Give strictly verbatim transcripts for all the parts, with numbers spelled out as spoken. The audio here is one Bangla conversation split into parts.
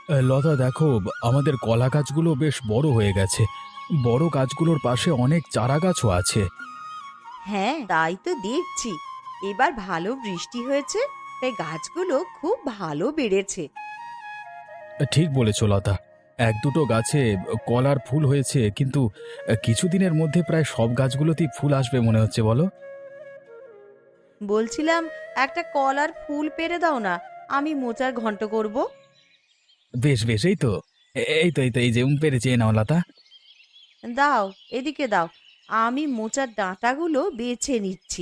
এ, লতা দেখো, আমাদের কলা গাছগুলো বেশ বড় হয়ে গেছে। বড় গাছগুলোর পাশে অনেক চারা গাছও আছে। হ্যাঁ, তাই তো দেখছি। এবার ভালো বৃষ্টি হয়েছে, তাই গাছগুলো খুব ভালো বেড়েছে। এ, ঠিক বলেছ লতা। এক দুটো গাছে কলার ফুল হয়েছে, কিন্তু এ, কিছুদিনের মধ্যে প্রায় সব গাছগুলোতেই ফুল আসবে মনে হচ্ছে, বলো? বলছিলাম, একটা কলার ফুল পেড়ে দাও না, আমি মোচার ঘন্ট করব। বেশ বেশ, এই তো এ- এই তো এই তো এই যে উম, পেরেছি, এই নাও লতা। দাও, এদিকে দাও। আমি মোচার ডাঁটাগুলো বেছে নিচ্ছি।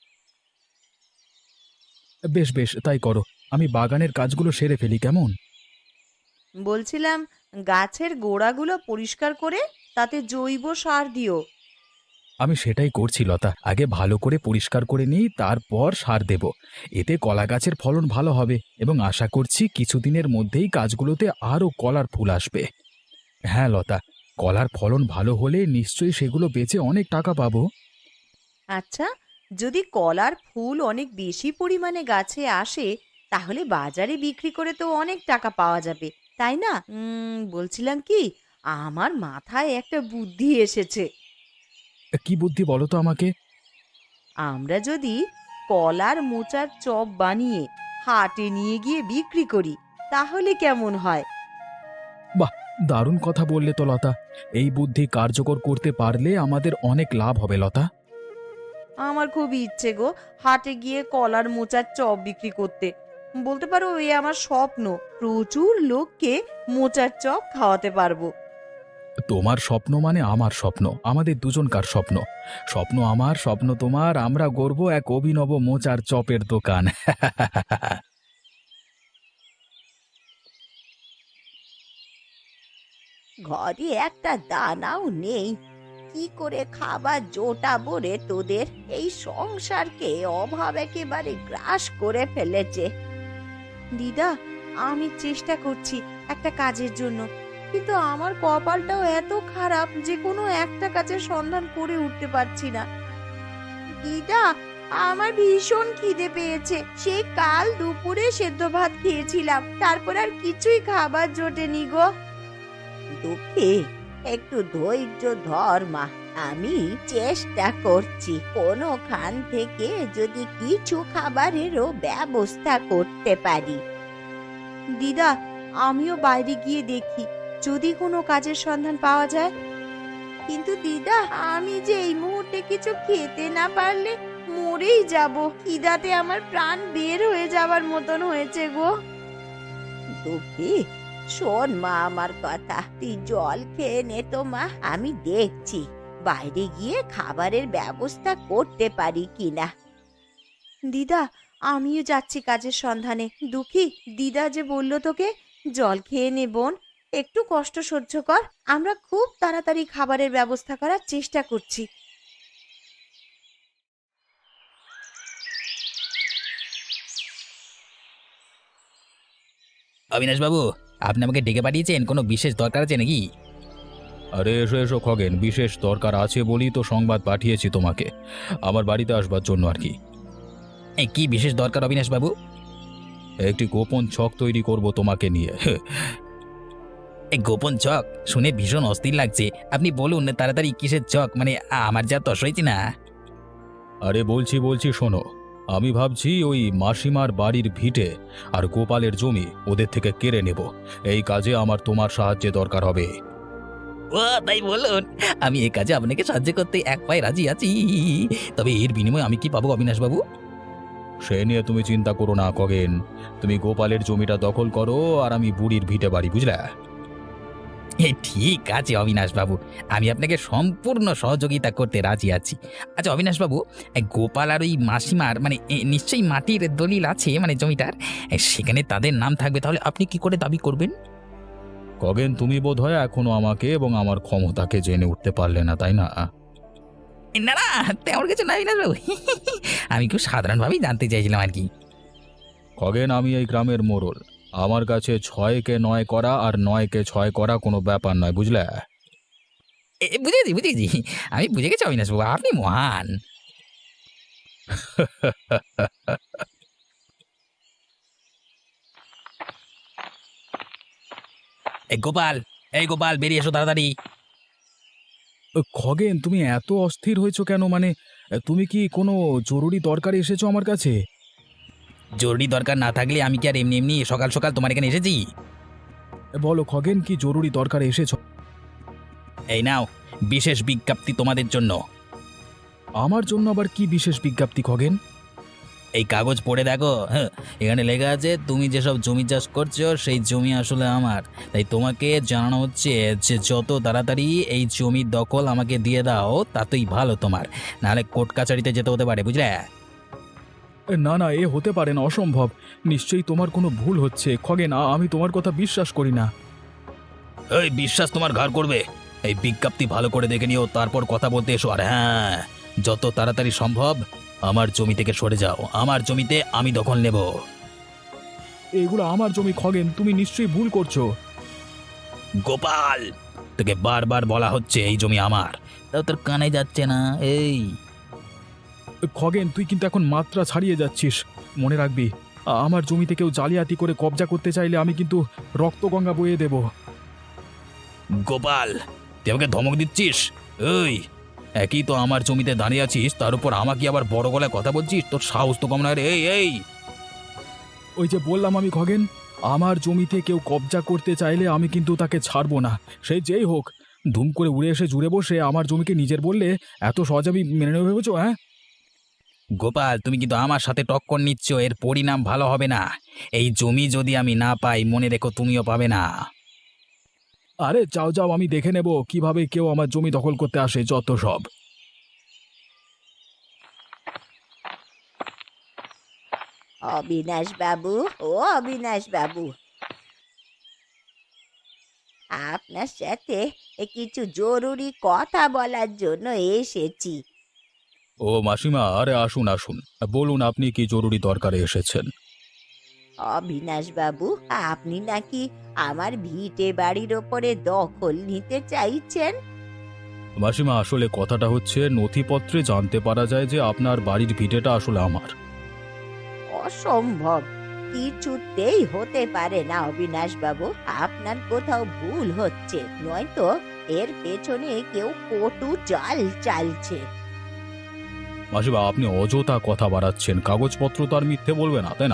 বেশ বেশ, তাই করো। আমি বাগানের কাজগুলো সেরে ফেলি, কেমন? বলছিলাম, গাছের গোড়াগুলো পরিষ্কার করে তাতে জৈব সার দিও। আমি সেটাই করছি লতা, আগে ভালো করে পরিষ্কার করে নিই, তারপর সার দেব। এতে কলা গাছের ফলন ভালো হবে এবং আশা করছি কিছুদিনের মধ্যেই গাছগুলোতে আরও কলার ফুল আসবে। হ্যাঁ লতা, কলার ফলন ভালো হলে নিশ্চয়ই সেগুলো বেচে অনেক টাকা পাবো। আচ্ছা, যদি কলার ফুল অনেক বেশি পরিমাণে গাছে আসে, তাহলে বাজারে বিক্রি করে তো অনেক টাকা পাওয়া যাবে, তাই না? উম, বলছিলাম কি, আমার মাথায় একটা বুদ্ধি এসেছে। কি বুদ্ধি বলো তো আমাকে? আমরা যদি কলার মোচার চপ বানিয়ে হাটে নিয়ে গিয়ে বিক্রি করি, তাহলে কেমন হয়? বাহ, দারুণ কথা বললে তো লতা। এই বুদ্ধি কার্যকর করতে পারলে আমাদের অনেক লাভ হবে লতা। আমার খুব ইচ্ছে গো, হাটে গিয়ে কলার মোচার চপ বিক্রি করতে। বলতে পারো এ আমার স্বপ্ন। প্রচুর লোককে মোচার চপ খাওয়াতে পারবো। তোমার স্বপ্ন মানে আমার স্বপ্ন, আমাদের দুজনকার স্বপ্ন। স্বপ্ন আমার, স্বপ্ন তোমার, আমরা গড়ব এক অভিনব মোচার চপের দোকান। ঘরে একটা দানাও নেই, কি করে খাবার জোটাবো রে তোদের? এই সংসারকে অভাব একেবারে গ্রাস করে ফেলেছে। দিদা, আমি চেষ্টা করছি একটা কাজের জন্য, কিন্তু আমার কপালটাও এত খারাপ যে কোনো একটা কাজের সন্ধান করে উঠতে পারছি না। দিদা, আমার ভীষণ খিদে পেয়েছে। সেই কাল দুপুরে সেদ্ধ ভাত খেয়েছিলাম, তারপর আর কিছুই খাবার জোটেনি গো। দুঃখী, একটু ধৈর্য ধর মা। আমি চেষ্টা করছি কোনোখান থেকে যদি কিছু খাবারেরও ব্যবস্থা করতে পারি। দিদা, আমিও বাইরে গিয়ে দেখি যদি কোনো কাজের সন্ধান পাওয়া যায়। কিন্তু দিদা, আমি যে এই মুহূর্তে কিছু খেতে না পারলে মরেই যাব। খিদাতে আমার প্রাণ বের হয়ে যাওয়ার মতন হয়েছে গো। দুঃখী, শোন মা আমার কথা, তুই জল খেয়ে নে তো মা। আমি দেখছি বাইরে গিয়ে খাবারের ব্যবস্থা করতে পারি কিনা। দিদা, আমিও যাচ্ছি কাজের সন্ধানে। দুঃখী, দিদা যে বলল তোকে জল খেয়ে নে বোন, একটু কষ্ট সহ্য কর। আমরা খুব তাড়াতাড়ি খাবারের ব্যবস্থা করার চেষ্টা করছি। অবিনাশবাবু, আপনি আমাকে ডেকে পাঠিয়েছেন, কোনো বিশেষ দরকার আছে নাকি? আরে এসো এসো খগেন, বিশেষ দরকার আছে বলেই তো সংবাদ পাঠিয়েছি তোমাকে, আমার বাড়িতে আসবার জন্য আর কি। এই কি বিশেষ দরকার অবিনাশবাবু? একটি গোপন ছক তৈরি করব তোমাকে নিয়ে। এই গোপন চক শুনে ভীষণ অস্থির লাগছে। আপনি বলুন তাড়াতাড়ি, কিসের চক? মানে আমার যা তস হয়েছে না। আরে বলছি বলছি শোনো, আমি ভাবছি ওই মাসিমার বাড়ির ভিটে আর গোপালের জমি ওদের থেকে কেড়ে নেব। এই কাজে আমার তোমার সাহায্যে দরকার হবে। ও তাই বলুন, আমি এই কাজে আপনাকে সাহায্য করতে এক পায়ে রাজি আছি। তবে এর বিনিময়ে আমি কি পাবো অবিনাশবাবু? সে নিয়ে তুমি চিন্তা করো না খগেন, তুমি গোপালের জমিটা দখল করো আর আমি বুড়ির ভিটে বাড়ি, বুঝলে? এ ঠিক আছে অবিনাশবাবু, আমি আপনাকে সম্পূর্ণ সহযোগিতা করতে রাজি আছি। আচ্ছা অবিনাশবাবু, এই গোপাল আর ওই মাসিমার মানে এ, নিশ্চয়ই মাটির দলিল আছে মানে জমিটার, এ, সেখানে তাদের নাম থাকবে, তাহলে আপনি কি করে দাবি করবেন? খগেন, তুমি বোধহয় এখনো আমাকে এবং আমার ক্ষমতাকে জেনে উঠতে পারলে না, তাই না? এ, না না, তেমন কিছু না অবিনাশবাবু। আমি খুব সাধারণভাবেই জানতে চাইছিলাম আর কি। খগেন, আমি এই গ্রামের মোড়ল। আমার কাছে ছয়কে নয় করা আর নয়কে ছয় করা কোনো ব্যাপার নয়, বুঝলে? এ, এ, বুঝেছি বুঝেছি, আমি বুঝে গেছি অবিনাশবাবু, আপনি মহান। এই গোপাল, এই গোপাল বেরিয়ে এসো তাড়াতাড়ি। এ, খগেন তুমি এত অস্থির হয়েছো কেন? মানে এ, তুমি কি কোনো জরুরি দরকারে এসেছো আমার কাছে? জরুরি দরকার না থাকলে আমি কি আর এমনি এমনি সকাল সকাল তোমার এখানে এসেছি? এ, বলো খগেন, কি জরুরি দরকারে এসেছো? এই নাও বিশেষ বিজ্ঞপ্তি তোমাদের জন্য। আমার জন্য আবার কি বিশেষ বিজ্ঞপ্তি খগেন? এই কাগজ পড়ে দেখো, হ্যাঁ, এখানে লেখা আছে তুমি যেসব জমি চাষ করছো সেই জমি আসলে আমার। তাই তোমাকে জানানো হচ্ছে যে যত তাড়াতাড়ি এই জমির দখল আমাকে দিয়ে দাও তাতেই ভালো তোমার, নাহলে কোর্ট কাছারিতে যেতে হতে পারে, বুঝলে? এ, না না, এ হতে পারে না, অসম্ভব। নিশ্চয়ই তোমার কোনো ভুল হচ্ছে খগেন, আ- আমি তোমার কথা বিশ্বাস করি না। এই বিশ্বাস তোমার ঘর করবে। এই বিজ্ঞপ্তি ভালো করে দেখে নিও, তারপর কথা বলতে এসো। আর হ্যাঁ, যত তাড়াতাড়ি সম্ভব আমার জমি থেকে সরে যাও, আমার জমিতে আমি দখল নেব। এগুলো আমার জমি খগেন, তুমি নিশ্চয়ই ভুল করছো। গোপাল, তোকে বারবার বলা হচ্ছে এই জমি আমার, তাও তোর কানে যাচ্ছে না। এই এ, খগেন তুই কিন্তু এখন মাত্রা ছাড়িয়ে যাচ্ছিস। মনে রাখবি, আ- আমার জমিতে কেউ জালিয়াতি করে কবজা করতে চাইলে আমি কিন্তু রক্তগঙ্গা বইয়ে দেব। গোপাল, তুই আমাকে ধমক দিচ্ছিস? এই একই তো আমার জমিতে দাঁড়িয়ে আছিস, তার উপর আমাকে আবার বড় গলায় কথা বলছিস? তোর সাহস তো কম না রে। এই এই ওই যে বললাম আমি খগেন, আমার জমিতে কেউ কবজা করতে চাইলে আমি কিন্তু তাকে ছাড়বো না, সে যেই হোক। ধুম করে উড়ে এসে জুড়ে বসে আমার জমিকে নিজের বললে এত সহজ আমি মেনে নেবে ভেবেছো? হ্যাঁ, গোপাল, তুমি কিন্তু আমার সাথে টক্কর নিচ্ছ, এর পরিণাম ভালো হবে না। এই জমি যদি আমি না পাই, মনে রেখো তুমিও পাবে না। আরে যাও যাও, আমি দেখে নেব কিভাবে কেউ আমার জমি দখল করতে আসে, যত সব। অবিনাশ বাবু, ও অবিনাশ বাবু, আপনার সাথে এ কিছু জরুরি কথা বলার জন্য এসেছি। ও মাসিমা, আরে আসুন আসুন, বলুন আপনি কি জরুরি দরকারে এসেছেন? অবিনাশ বাবু, আপনি নাকি আমার ভিটে বাড়ির ওপরে দখল নিতে চাইছেন? মাসিমা, আসলে কথাটা হচ্ছে নথিপত্রে জানতে পারা যায় যে আপনার বাড়ির ভিটেটা আসলে আমার। অসম্ভব, কিছুতেই হতে পারে না অবিনাশ বাবু, আপনার কোথাও ভুল হচ্ছে, নয়তো এর পেছনে কেউ কটু চাল চালছে। মাসিমা, আপনি অযথা কথা বাড়াচ্ছেন, কাগজপত্র তো আর মিথ্যে বলবে না, তাই না?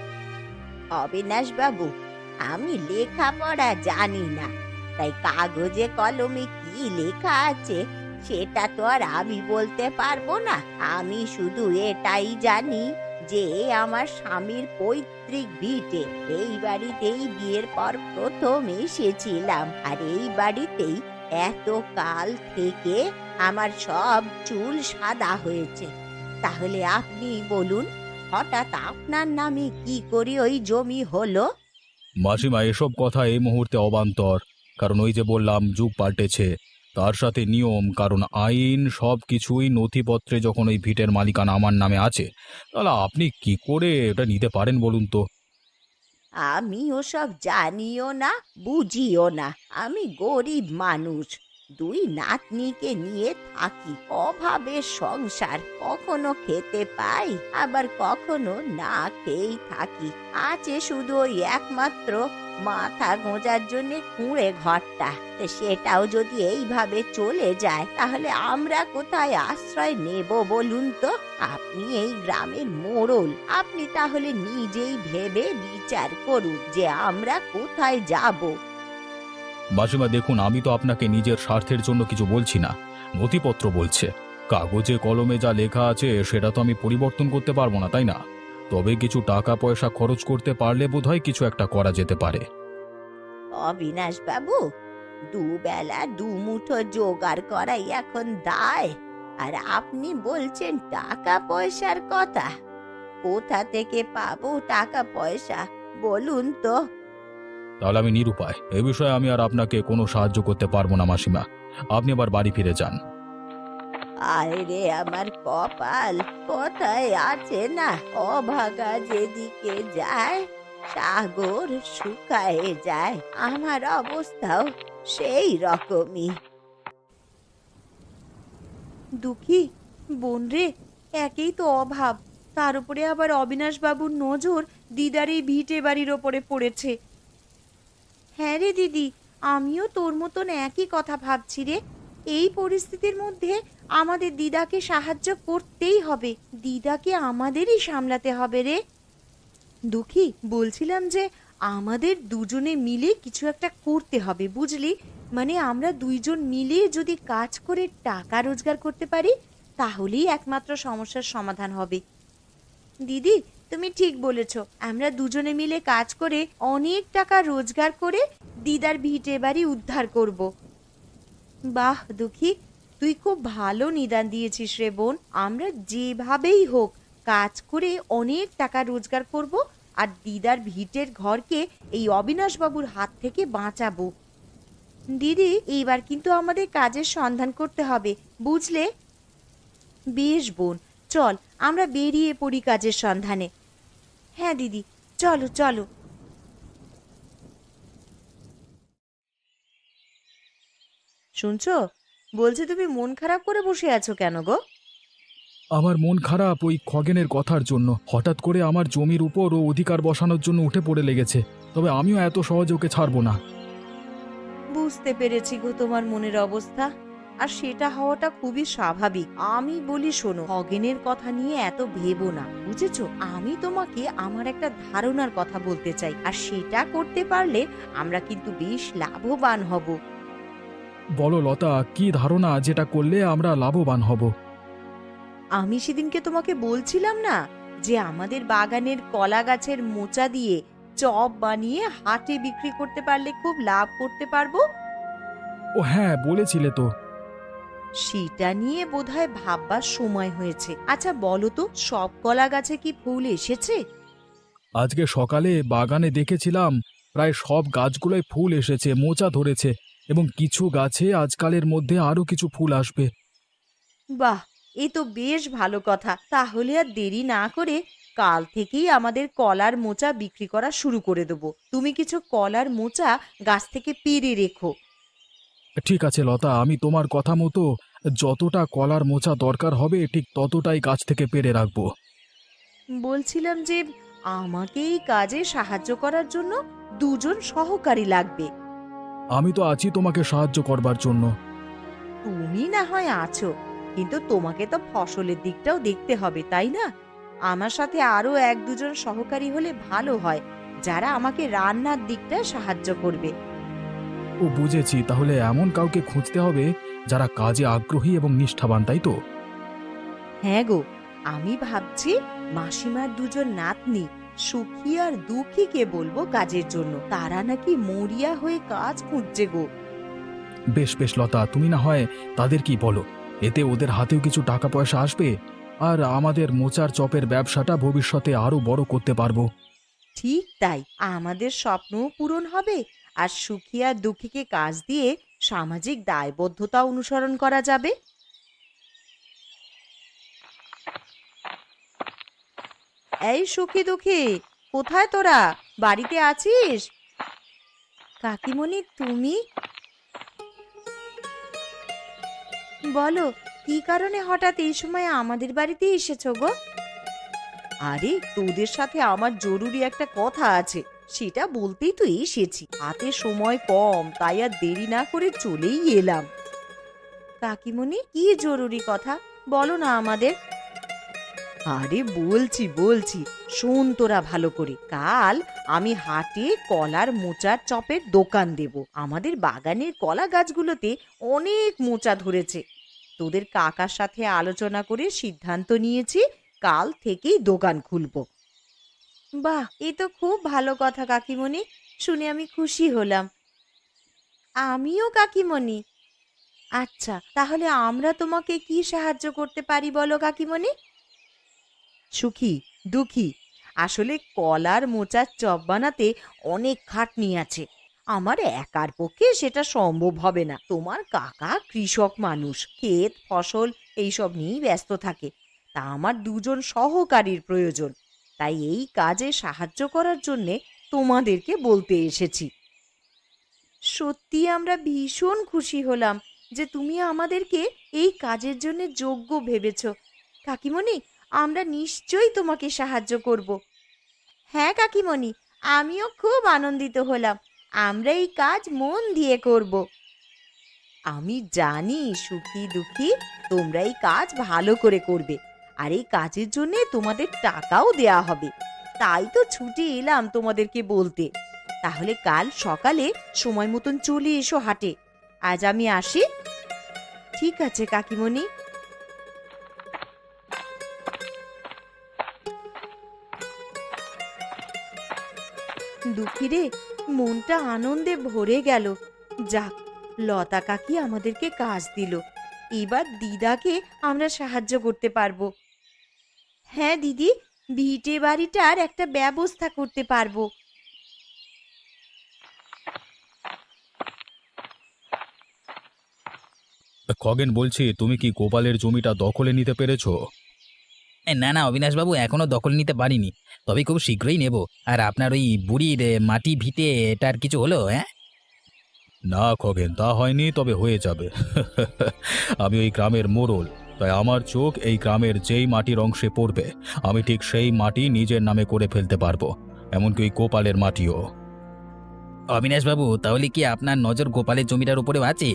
অবিনাশ বাবু, আমি লেখাপড়া জানি না, তাই কাগজে কলমে কি লেখা আছে সেটা তো আর আমি বলতে পারবো না। আমি শুধু এটাই জানি যে এ আমার স্বামীর পৈতৃক ভিটে। এই বাড়িতেই বিয়ের পর প্রথম এসেছিলাম, আর এই বাড়িতেই এত কাল থেকে আমার সব চুল সাদা হয়েছে। তাহলে আপনি বলুন, হঠাৎ আপনার নামে কি করে ওই জমি হলো? মাসিমা, এসব কথা এই মুহূর্তে অবান্তর। কারণ ওই যে বললাম, যুগ পাল্টেছে, তার সাথে নিয়ম, কারণ আইন, সব কিছুই নথিপত্রে যখন ওই ভিটের মালিকানা আমার নামে আছে, তাহলে আপনি কি করে এটা নিতে পারেন বলুন তো? আমি ওসব জানিও না, বুঝিও না। আমি গরিব মানুষ, দুই নাতনিকে নিয়ে থাকি, অভাবের সংসার। কখনো খেতে পাই, আবার কখনো না খেয়েই থাকি। আছে শুধু ওই একমাত্র মাথা গোঁজার জন্য কুঁড়ে ঘরটা। তা সেটাও যদি এইভাবে চলে যায়, তাহলে আমরা কোথায় আশ্রয় নেব বলুন তো? আপনি এই গ্রামের মোড়ল, আপনি তাহলে নিজেই ভেবে বিচার করুন যে আমরা কোথায় যাব। মাসিমা দেখুন, আমি তো আপনাকে নিজের স্বার্থের জন্য কিছু বলছি না, নথিপত্র বলছে। কাগজে কলমে যা লেখা আছে সেটা তো আমি পরিবর্তন করতে পারবো না, তাই না? তবে কিছু টাকা পয়সা খরচ করতে পারলে বোধহয় কিছু একটা করা যেতে পারে। অবিনাশ বাবু, দুবেলা দুমুঠো জোগাড় করাই এখন দায়, আর আপনি বলছেন টাকা পয়সার কথা। কোথা থেকে পাবো টাকা পয়সা বলুন তো? তাহলে আমি নিরুপায়, এ বিষয়ে আমি আর আপনাকে কোনো সাহায্য করতে পারবো না মাসিমা। আপনি আবার বাড়ি ফিরে যান। আয় রে আমার কপাল, কোথায় আছে না, অভাগা যেদিকে যায় সাগর শুকায়ে যায়, আমার অবস্থাও সেই রকমই। দুঃখী বোন রে, একেই তো অভাব, তার উপরে আবার অবিনাশ বাবুর নজর দিদার এই ভিটে বাড়ির ওপরে পড়েছে। হ্যাঁ রে দিদি, আমিও তোর মতন একই কথা ভাবছি রে। এই পরিস্থিতির মধ্যে আমাদের দিদাকে সাহায্য করতেই হবে, দিদাকে আমাদেরই সামলাতে হবে রে। দুঃখী, বলছিলাম যে আমাদের দুজনে মিলে কিছু একটা করতে হবে, বুঝলি? মানে আমরা দুইজন মিলে যদি কাজ করে টাকা রোজগার করতে পারি তাহলেই একমাত্র সমস্যার সমাধান হবে। দিদি, তুমি ঠিক বলেছ, আমরা দুজনে মিলে কাজ করে অনেক টাকা রোজগার করে দিদার ভিটে বাড়ি উদ্ধার করব। বাহ দুঃখী, তুই খুব ভালো নিদান দিয়েছিস রে বোন। আমরা যেভাবেই হোক কাজ করে অনেক টাকা রোজগার করব আর দিদার ভিটের ঘরকে এই অবিনাশ বাবুর হাত থেকে বাঁচাবো। দিদি, এইবার কিন্তু আমাদের কাজের সন্ধান করতে হবে, বুঝলে? বেশ বোন, চল আমরা বেরিয়ে পড়ি কাজের সন্ধানে। হ্যাঁ দিদি, চলো চলো। শুনছো? বলছি তুমি মন খারাপ করে বসে আছো কেন গো? আমার মন খারাপ ওই খগেনের কথার জন্য। হঠাৎ করে আমার জমির উপর ও অধিকার বসানোর জন্য উঠে পড়ে লেগেছে। তবে আমিও এত সহজে ওকে ছাড়বো না। বুঝতে পেরেছি গো তোমার মনের অবস্থা, আর সেটা হওয়াটা খুবই স্বাভাবিক। আমি বলি শোনো, খগেনের কথা নিয়ে এত ভেবো না, বুঝেছো? আমি তোমাকে আমার একটা ধারণার কথা বলতে চাই, আর সেটা করতে পারলে আমরা কিন্তু বেশ লাভবান হব। বলো লতা, কি ধারণা যেটা করলে আমরা লাভবান হব? আমি সেদিনকে তোমাকে বলছিলাম না যে আমাদের বাগানের কলা গাছের মোচা দিয়ে চপ বানিয়ে হাটে বিক্রি করতে পারলে খুব লাভ করতে পারবো। ও হ্যাঁ, বলেছিলে তো। সেটা নিয়ে বোধহয় ভাববার সময় হয়েছে। আচ্ছা বলো তো, সব কলা গাছে কি ফুল এসেছে? আজকে সকালে বাগানে দেখেছিলাম প্রায় সব গাছগুলোয় ফুল এসেছে, মোচা ধরেছে, এবং কিছু গাছে আজকালের মধ্যে আরো কিছু ফুল আসবে। বাহ, এ তো বেশ ভালো কথা। তাহলে আর দেরি না করে কাল থেকেই আমাদের কলার মোচা বিক্রি করা শুরু করে দেবো। তুমি কিছু কলার মোচা গাছ থেকে পেড়ে রেখো। ঠিক আছে লতা, আমি তোমার কথা মতো যতটা কলার মোচা দরকার হবে ঠিক ততটাই গাছ থেকে পেড়ে রাখবো। বলছিলাম যে আমাকে এই কাজে সাহায্য করার জন্য দুজন সহকারী লাগবে। আমি তো আছি তোমাকে সাহায্য করবার জন্য। তুমি না হয় আছো, কিন্তু তোমাকে তো ফসলের দিকটাও দেখতে হবে, তাই না? আমার সাথে আরো এক দুজন সহকারী হলে ভালো হয়, যারা আমাকে রান্নার দিকটা সাহায্য করবে। ও বুঝেছি, তাহলে এমন কাউকে খুঁজতে হবে যারা কাজে আগ্রহী এবং নিষ্ঠাবান, তাই তো? হ্যাঁ গো, আমি ভাবছি মাসিমার দুজন নাতনি সুখী আর দুঃখীকে বলবো কাজের জন্য। তারা নাকি মরিয়া হয়ে কাজ খুঁজছে গো। বেশ বেশ লতা, তুমি না হয় তাদের কি বলো, এতে ওদের হাতেও কিছু টাকা পয়সা আসবে আর আমাদের মোচার চপের ব্যবসাটা ভবিষ্যতে আরো বড় করতে পারবো। ঠিক তাই, আমাদের স্বপ্নও পূরণ হবে আর সুখী আর দুঃখীকে কাজ দিয়ে সামাজিক দায়বদ্ধতা অনুসরণ করা যাবে। এই সুখী দুঃখী, কোথায় তোরা? বাড়িতে আছিস? কাকিমণি তুমি? বলো, কি কারণে হঠাৎ এই সময় আমাদের বাড়িতে এসেছো গো? আরে তোদের সাথে আমার জরুরি একটা কথা আছে, সেটা বলতেই তো এসেছি। হাতে সময় কম, তাই আর দেরি না করে চলেই এলাম। কাকিমণি, কি জরুরি কথা বলো না আমাদের। আরে বলছি বলছি শোন তোরা ভালো করে। কাল আমি হাটে কলার মোচার চপের দোকান দেব। আমাদের বাগানের কলা গাছগুলোতে অনেক মোচা ধরেছে। তোদের কাকার সাথে আলোচনা করে সিদ্ধান্ত নিয়েছি কাল থেকেই দোকান খুলবো। বাহ, এ তো খুব ভালো কথা কাকিমণি, শুনে আমি খুশি হলাম। আমিও কাকিমণি। আচ্ছা, তাহলে আমরা তোমাকে কি সাহায্য করতে পারি বলো কাকিমণি? সুখী দুঃখী, আসলে কলার মোচার চপ বানাতে অনেক খাটনি আছে। আমার একার পক্ষে সেটা সম্ভব হবে না। তোমার কাকা কৃষক মানুষ, ক্ষেত ফসল এইসব নিয়েই ব্যস্ত থাকে। তা আমার দুজন সহকারীর প্রয়োজন, তাই এই কাজে সাহায্য করার জন্যে তোমাদেরকে বলতে এসেছি। সত্যি আমরা ভীষণ খুশি হলাম যে তুমি আমাদেরকে এই কাজের জন্য যোগ্য ভেবেছ। কাকিমণি, আমরা নিশ্চয়ই তোমাকে সাহায্য করব। হ্যাঁ কাকিমণি, আমিও খুব আনন্দিত হলাম। আমরা এই কাজ মন দিয়ে করব। আমি জানি সুখী দুঃখী তোমরা এই কাজ ভালো করে করবে, আর এই কাজের জন্য তোমাদের টাকাও দেয়া হবে। তাই তো ছুটি এলাম তোমাদেরকে বলতে। তাহলে কাল সকালে সময় মতন চলে এসো হাটে। আজ আমি আসি। ঠিক আছে কাকিমণি। দুঃখী রে, মনটা আনন্দে ভরে গেল। যাক, লতা কাকি আমাদেরকে কাজ দিল। এবার দিদাকে আমরা সাহায্য করতে পারবো। হ্যাঁ দিদি, ভিটে বাড়িটার একটা ব্যবস্থা করতে পারবো। খগেন বলছি, তুমি কি গোপালের জমিটা দখলে নিতে পেরেছো? এ, না না অবিনাশবাবু, এখনো দখল নিতে পারিনি, তবে খুব শীঘ্রই নেব। আর আপনার ওই বুড়ির এ, মাটি ভিটে এটার কিছু হলো? হ্যাঁ, না খগেন, তা হয়নি, তবে হয়ে যাবে। আমি ওই গ্রামের মোড়ল, তাই আমার চোখ এই গ্রামের যেই মাটির অংশে পড়বে আমি ঠিক সেই মাটি নিজের নামে করে ফেলতে পারবো, এমনকি ওই গোপালের মাটিও। অবিনাশবাবু, তাহলে কি আপনার নজর গোপালের জমিটার উপরেও আছে?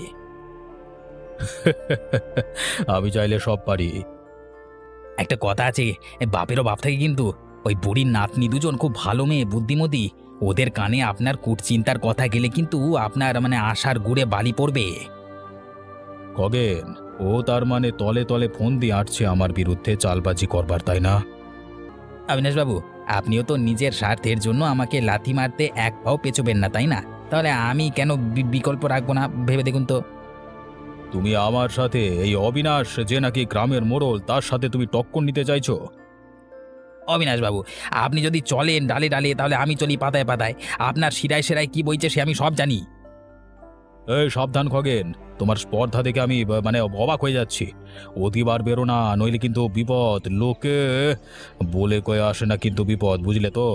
আমি চাইলে সব পারি। একটা কথা আছে, এ, বাপেরও বাপ থাকে কিন্তু। ওই বুড়ির নাতনি দুজন খুব ভালো মেয়ে, বুদ্ধিমতী। ওদের কানে আপনার কুটচিন্তার কথা গেলে কিন্তু আপনার মানে আশার গুড়ে বালি পড়বে। খগেন, ও তার মানে তলে তলে ফোন দিয়ে আসছে আমার বিরুদ্ধে চালবাজি করবার, তাই না? অবিনাশবাবু, আপনিও তো নিজের স্বার্থের জন্য আমাকে লাথি মারতে এক পাও পেছোবেন না, তাই না? তাহলে আমি কেন বি- বিকল্প রাখবো না, ভেবে দেখুন তো। তুমি আমার সাথে, এই অবিনাশ যে নাকি গ্রামের মোড়ল, তার সাথে তুমি টক্কর নিতে চাইছো? অবিনাশবাবু, আপনি যদি চলেন ডালে ডালে, তাহলে আমি চলি পাতায় পাতায়। আপনার শিরায় শিরায় কি বইছে সে আমি সব জানি। এই সাবধান খগেন, তোমার স্পর্ধা দেখে আমি ব- মানে অবাক হয়ে যাচ্ছি। অতিবার বেরো না, নইলে কিন্তু বিপদ। লোকে বলে কয়ে আসে না কিন্তু বিপদ, বুঝলে তো?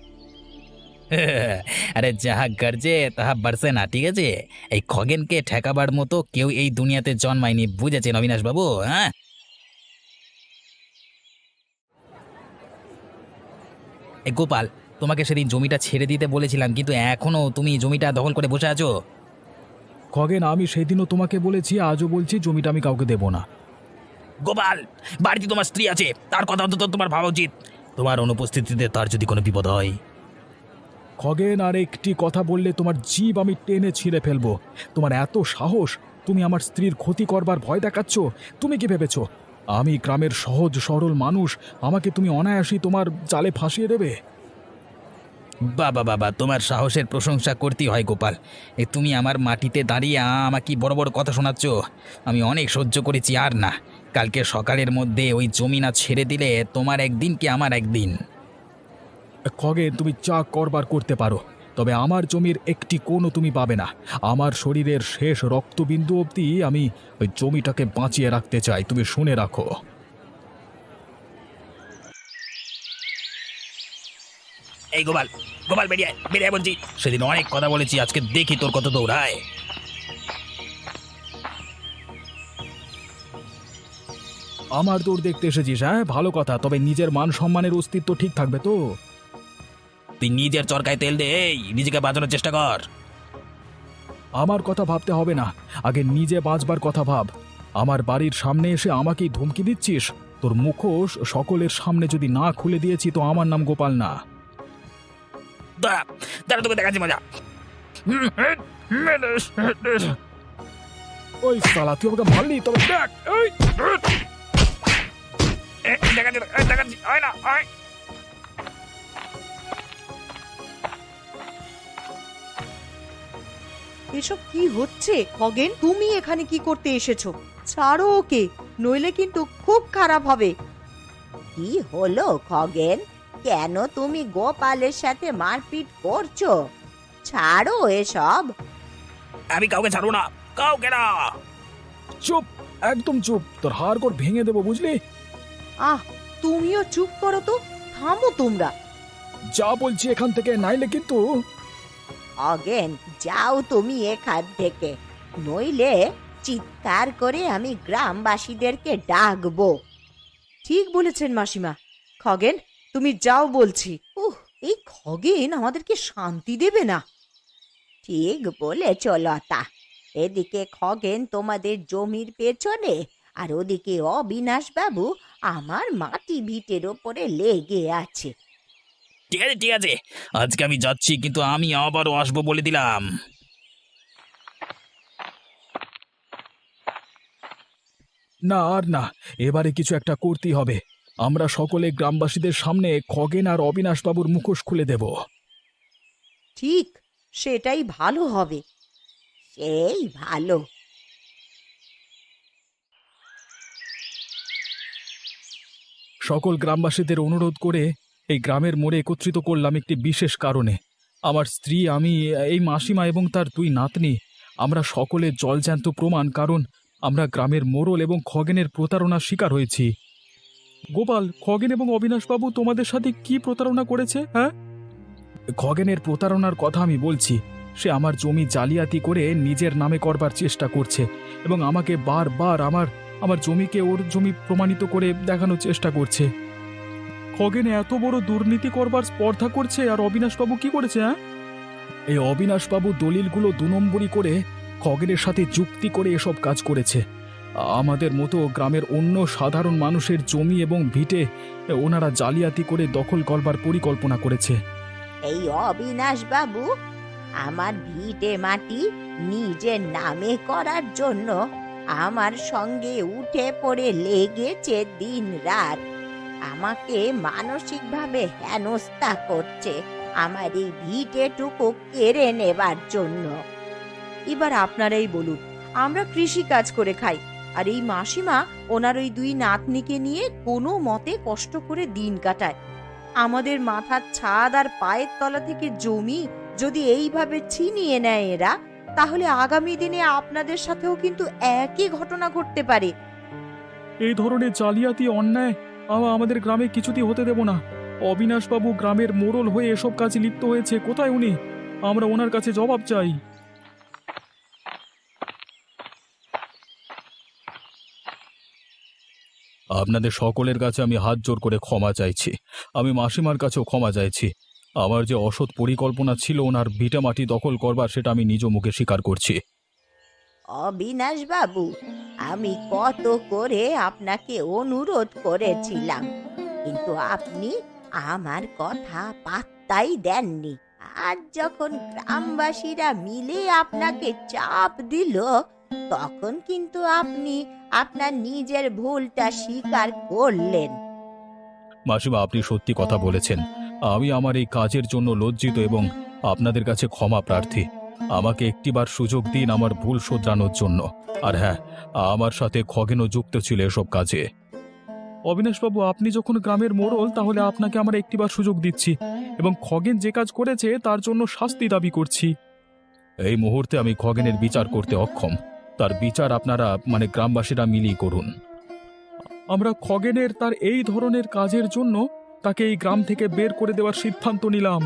আরে যাহা গর্জে তাহা বাড়ছে না, ঠিক আছে? এই খগেনকে ঠেকাবার মতো কেউ এই দুনিয়াতে জন্মায়নি, বুঝেছেন অবিনাশবাবু? হ্যাঁ, এই গোপাল, তোমাকে সেদিন জমিটা ছেড়ে দিতে বলেছিলাম, কিন্তু এখনো তুমি জমিটা দখল করে বসে আছো। খগেন, আমি সেদিনও তোমাকে বলেছি, আজও বলছি, জমিটা আমি কাউকে দেব না। গোপাল, বাড়িতে তোমার স্ত্রী আছে, তার কথা অন্তত তোমার ভাবা উচিত। তোমার অনুপস্থিতিতে তার যদি কোনো বিপদ হয়। খগেন, আর একটি কথা বললে তোমার জীব আমি টেনে ছিঁড়ে ফেলবো। তোমার এত সাহস, তুমি আমার স্ত্রীর ক্ষতি করবার ভয় দেখাচ্ছ? তুমি কি ভেবেছো আমি গ্রামের সহজ সরল মানুষ, আমাকে তুমি অনায়াসই তোমার জালে ফাঁসিয়ে দেবে? বাবা বাবা, তোমার সাহসের প্রশংসা করতেই হয় গোপাল। এ তুমি আমার মাটিতে দাঁড়িয়ে আ- আমাকে বড় বড় কথা শোনাচ্ছ। আমি অনেক সহ্য করেছি, আর না। কালকে সকালের মধ্যে ওই জমি না ছেড়ে দিলে তোমার একদিন কি আমার একদিন। খগেন, তুমি যা করবার করতে পারো, তবে আমার জমির একটি কোণও তুমি পাবে না। আমার শরীরের শেষ রক্তবিন্দু অবধি আমি ওই জমিটাকে বাঁচিয়ে রাখতে চাই, তুমি শুনে রাখো। এই গোপাল, গোপাল বেরিয়ে আয়, বেরিয়ে আয় বলছি। সেদিন অনেক কথা বলেছি, আজকে দেখি তোর কত দৌড়ায়। আমার দৌড় দেখতে এসেছিস? হ্যাঁ, ভালো কথা, তবে নিজের মান সম্মানের অস্তিত্ব ঠিক থাকবে তো? তুই নিজের চরকায় তেল দে, এই নিজেকে বাঁচানোর চেষ্টা কর। আমার কথা ভাবতে হবে না, আগে নিজে বাঁচবার কথা ভাব। আমার বাড়ির সামনে এসে আমাকেই ধমকি দিচ্ছিস? তোর মুখোশ সকলের সামনে যদি না খুলে দিয়েছি তো আমার নাম গোপাল না। দাঁড়া, দাঁড়া, তোকে দেখাচ্ছি মজা। ওই শালা, তুই আমাকে মারলি, তবে দেখ। এই! এ, দেখাচ্ছি, এ, দেখাচ্ছি, হয় না, হয়। এসব কি হচ্ছে খগেন? তুমি এখানে কি করতে এসেছো? ছাড়ো ওকে, নইলে কিন্তু খুব খারাপ হবে। কি হলো খগেন? কেন তুমি গোপালের সাথে মারপিট করছো? ছাড়ো এসব। আমি কাউকে ছাড়বো না, কাউকে না। চুপ, একদম চুপ, তোর হাড় গোড় ভেঙে দেবো, বুঝলি? আহ, তুমিও চুপ করো তো। থামো তোমরা। যা বলছি এখান থেকে, নাইলে কিন্তু। খগেন, যাও তুমি এখান থেকে, নইলে চিৎকার করে আমি গ্রামবাসীদেরকে ডাকবো। ঠিক বলেছেন মাসিমা। খগেন, তুমি যাও বলছি। উহ, এই খগেন আমাদেরকে শান্তি দেবে না। ঠিক বলেছ লতা। এদিকে খগেন তোমাদের জমির পেছনে, আর ওদিকে অবিনাশ বাবু আমার মাটি ভিটের ওপরে লেগে আছে। ঠিক আছে ঠিক আছে, আজকে আমি যাচ্ছি, কিন্তু আমি আবারও আসবো বলে দিলাম। না আর না, এবারে কিছু একটা করতেই হবে। আমরা সকলে গ্রামবাসীদের সামনে খগেন আর অবিনাশবাবুর মুখোশ খুলে দেব। ঠিক, সেটাই ভালো হবে। সেই ভালো। সকল গ্রামবাসীদের অনুরোধ করে এই গ্রামের মোড়ে একত্রিত করলাম একটি বিশেষ কারণে। আমার স্ত্রী, আমি, এই মাসিমা এবং তার দুই নাতনি, আমরা সকলে জলজ্যান্ত প্রমাণ, কারণ আমরা গ্রামের মোড়ল এবং খগেনের প্রতারণার শিকার হয়েছি। গোপাল, খগেন এবং অবিনাশবাবু তোমাদের সাথে কি প্রতারণা করেছে? হ্যাঁ, খগেনের প্রতারণার কথা আমি বলছি। সে আমার জমি জালিয়াতি করে নিজের নামে করবার চেষ্টা করছে এবং আমাকে বারবার আমার আমার জমিকে ওর জমি প্রমাণিত করে দেখানোর চেষ্টা করছে। খগেন এত বড় দুর্নীতি করবার স্পর্ধা করছে, আর অবিনাশবাবু কি করেছে? হ্যাঁ, এই অবিনাশবাবু দলিলগুলো দু নম্বরই করে খগেনের সাথে যুক্তি করে এসব কাজ করেছে। আমাদের মতো গ্রামের অন্য সাধারণ মানুষের জমি এবং ভিটে ওনারা জালিয়াতি করে দখল করবার পরিকল্পনা করেছে। এই অবিনাশ বাবু আমার ভিটে মাটি নিজের নামে করার জন্য আমার সঙ্গে উঠে পড়ে লেগেছে দিন রাত। আমাকে মানসিকভাবে হেনস্থা করছে আমার এই ভিটেটুকু কেড়ে নেবার জন্য। এবার আপনারাই বলুন, আমরা কৃষি কাজ করে খাই, আর এই মাসিমা ওনার ওই দুই নাতনিকে নিয়ে কোনো মতে কষ্ট করে দিন কাটায়। আমাদের মাথার ছাদ আর পায়ের তলা থেকে জমি যদি এইভাবে ছিনিয়ে নেয় এরা, তাহলে আগামী দিনে আপনাদের সাথেও কিন্তু একই ঘটনা ঘটতে পারে। এই ধরনের জালিয়াতি অন্যায় আ- আমাদের গ্রামে কিছুতেই হতে দেব না। অবিনাশবাবু গ্রামের মোড়ল হয়ে এসব কাজে লিপ্ত হয়েছে। কোথায় উনি? আমরা ওনার কাছে জবাব চাই। আপনাদের সকলের কাছে আমি হাত জোর করে ক্ষমা চাইছি। আমি মাসিমার কাছেও ক্ষমা চাইছি। আমার যে অসৎ পরিকল্পনা ছিল ওনার ভিটামাটি দখল করবার, সেটা আমি নিজ মুখে স্বীকার করছি। অবিনাশ বাবু, আমি কত করে আপনাকে অনুরোধ করেছিলাম, কিন্তু আপনি আমার কথা পাত্তাই দেননি। আজ যখন গ্রামবাসীরা মিলে আপনাকে চাপ দিল, তখন কিন্তু আপনি আপনার নিজের ভুলটা স্বীকার করলেন। মাসিমা, আপনি সত্যি কথা বলেছেন। আমি আমার এই কাজের জন্য লজ্জিত এবং আপনাদের কাছে ক্ষমা প্রার্থী। আমাকে একটিবার সুযোগ দিন আমার ভুল শোধরানোর জন্য। আর হ্যাঁ, আমার সাথে খগেনও যুক্ত ছিল এসব কাজে। অবিনাশবাবু, আপনি যখন গ্রামের মোড়ল, তাহলে আপনাকে আমরা একটিবার সুযোগ দিচ্ছি এবং খগেন যে কাজ করেছে তার জন্য শাস্তি দাবি করছি। এই মুহূর্তে আমি খগেনের বিচার করতে অক্ষম। তার বিচার আপনারা, মানে গ্রামবাসীরা মিলিয়ে করুন। আমরা খগেনের তার এই ধরনের কাজের জন্য তাকে এই গ্রাম থেকে বের করে দেওয়ার সিদ্ধান্ত নিলাম।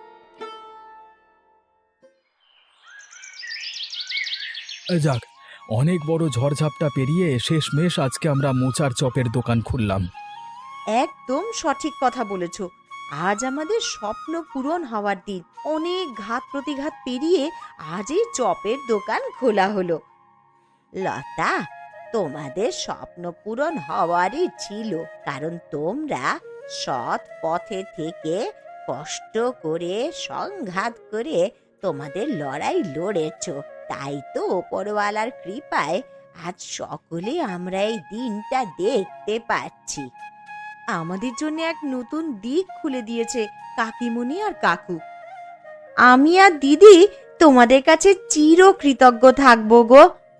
যাক, অনেক বড় ঝড়ঝাপটা পেরিয়ে শেষমেশ আজকে আমরা মোচার চপের দোকান খুললাম। একদম সঠিক কথা বলেছ। আজ আমাদের স্বপ্ন পূরণ হওয়ার দিন। অনেক ঘাত প্রতিঘাত পেরিয়ে আজ এই চপের দোকান খোলা হলো। লতা, তোমাদের স্বপ্ন পূরণ হওয়ারই ছিল, কারণ তোমরা সৎ পথে থেকে কষ্ট করে সংঘাত করে তোমাদের লড়াই লড়েছ। তাই তো ওপরওয়ালার কৃপায় আজ সকলে আমরা এই দিনটা দেখতে পাচ্ছি। আমাদের জন্য এক নতুন দিক খুলে দিয়েছে কাকিমুনি আর কাকু। আমি আর দিদি তোমাদের কাছে চির কৃতজ্ঞ থাকবো গো।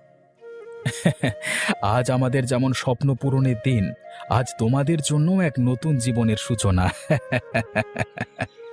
আজ আমাদের যেমন স্বপ্ন পূরণের দিন, আজ তোমাদের জন্য এক নতুন জীবনের সূচনা।